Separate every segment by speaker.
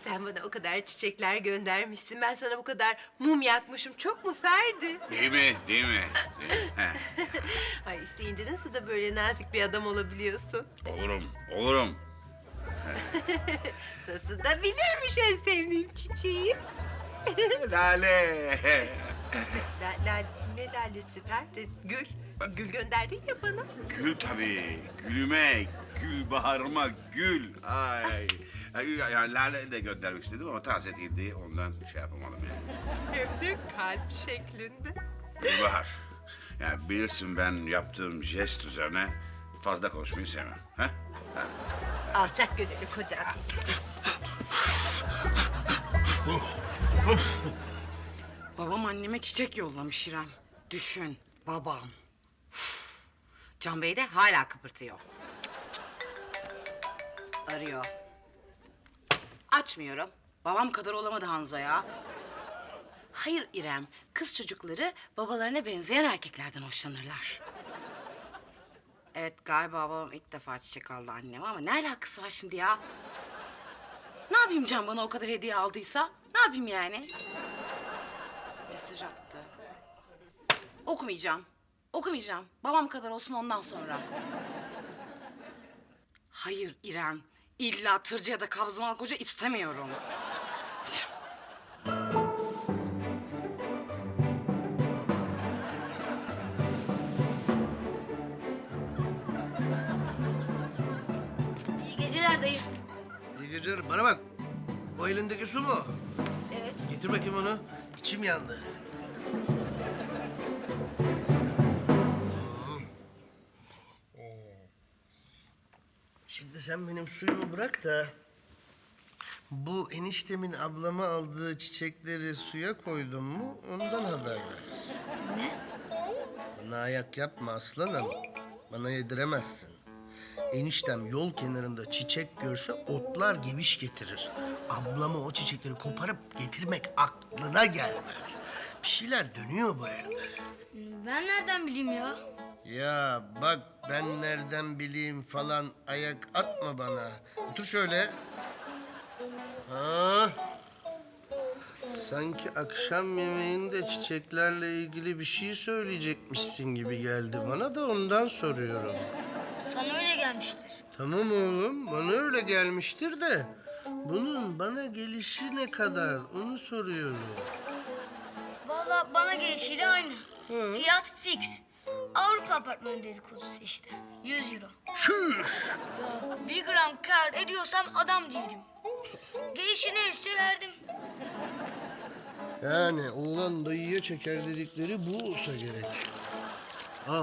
Speaker 1: Sen bana o kadar çiçekler göndermişsin. Ben sana bu kadar mum yakmışım. Çok mu Ferdi?
Speaker 2: Değil mi? Değil mi? Değil mi? Heh.
Speaker 1: Ay isteyince nasıl da böyle nazik bir adam olabiliyorsun.
Speaker 2: Olurum, olurum.
Speaker 1: Nasıl da bilirmiş en sevdiğim çiçeği.
Speaker 2: Lale.
Speaker 1: Ne lalesi Ferdi? Gül. Gül gönderdin ya bana.
Speaker 2: Gül tabii. Gülüme, gül baharıma, gül. Ay. Yani Lale de göndermek istedim ama taze değildi. Ondan şey yapamadım yani.
Speaker 1: Hem de kalp şeklinde.
Speaker 2: Gülbahar. Yani bilirsin ben yaptığım jest üzerine fazla konuşmayı sevmem. Ha?
Speaker 1: Alçak gönüllü kocan.
Speaker 3: Babam anneme çiçek yollamış İrem. Düşün, babam. Üf. Can Bey de hala kıpırtı yok. Arıyor. Açmıyorum. Babam kadar olamadı Hanzo ya. Hayır İrem, kız çocukları babalarına benzeyen erkeklerden hoşlanırlar. Evet, galiba babam ilk defa çiçek aldı anneme ama ne alakası var şimdi ya? Ne yapayım Can bana o kadar hediye aldıysa? Ne yapayım yani? Mesaj attı. Okumayacağım. Okumayacağım. Babam kadar olsun ondan sonra. Hayır İrem. İlla tırcı ya da kabzımal koca istemiyorum.
Speaker 4: İyi geceler dayı.
Speaker 5: İyi geceler. Bana bak. O elindeki su mu?
Speaker 4: Evet.
Speaker 5: Getir bakayım onu. İçim yandı. Şimdi sen benim suyumu bırak da... ...bu eniştemin ablama aldığı çiçekleri suya koydun mu... ...ondan haber ver.
Speaker 4: Ne?
Speaker 5: Bana ayak yapma aslanım. Bana yediremezsin. Eniştem yol kenarında çiçek görse otlar geviş getirir. Ablama o çiçekleri koparıp getirmek aklına gelmez. Bir şeyler dönüyor bu evde.
Speaker 4: Ben nereden bileyim ya?
Speaker 5: Ya bak ben nereden bileyim falan ayak atma bana. Otur şöyle. Ha. Sanki akşam yemeğinde çiçeklerle ilgili bir şey söyleyecekmişsin gibi geldi bana da ondan soruyorum.
Speaker 4: Sana öyle gelmiştir.
Speaker 5: Tamam oğlum, bana öyle gelmiştir de... ...bunun bana gelişi ne kadar, onu soruyorum.
Speaker 4: Vallahi bana gelişiyle aynı. Fiyat fix. Avrupa apartmanı dedikodusu işte. 100 euro.
Speaker 5: Şuş!
Speaker 4: Ya 1 gram kar ediyorsam adam değilim. Gelişi neyse verdim.
Speaker 5: Yani oğlan dayıya çeker dedikleri bu olsa gerek. Al.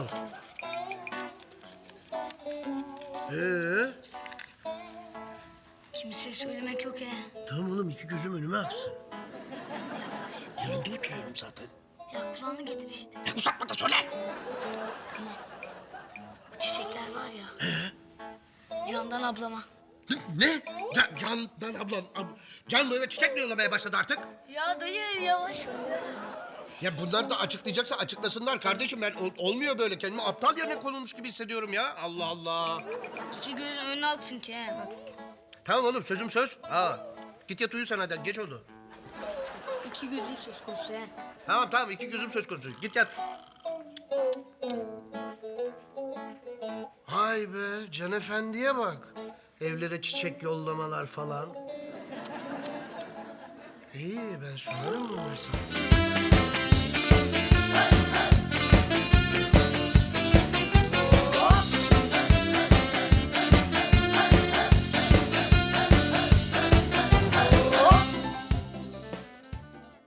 Speaker 4: Kimseye söylemek yok he.
Speaker 5: Tamam oğlum, iki gözüm önüme aksın.
Speaker 4: Biraz yaklaş.
Speaker 5: Yanında oturuyorum zaten.
Speaker 4: Ya kulağını getir işte.
Speaker 5: Ya uzatma da söyle.
Speaker 4: Tamam. Bu çiçekler var ya. Candan ablama.
Speaker 5: Ne? Candan ablan. Can bu eve çiçek mi yollamaya başladı artık?
Speaker 4: Ya dayı yavaş ol.
Speaker 5: Ya bunlar da açıklayacaksa açıklasınlar kardeşim. Ben olmuyor böyle. Kendimi aptal yerine konulmuş gibi hissediyorum ya. Allah Allah.
Speaker 4: İki gözün önüne aksın ki he. Bak.
Speaker 5: Tamam oğlum, sözüm söz. Git yat uyu sen hadi. Geç oldu.
Speaker 4: İki gözün söz konusu he.
Speaker 5: Tamam, iki gözüm söz konusu. Git yat. Hay be, Can Efendi'ye bak. Evlere çiçek yollamalar falan. İyi, ben sorarım mı mesela?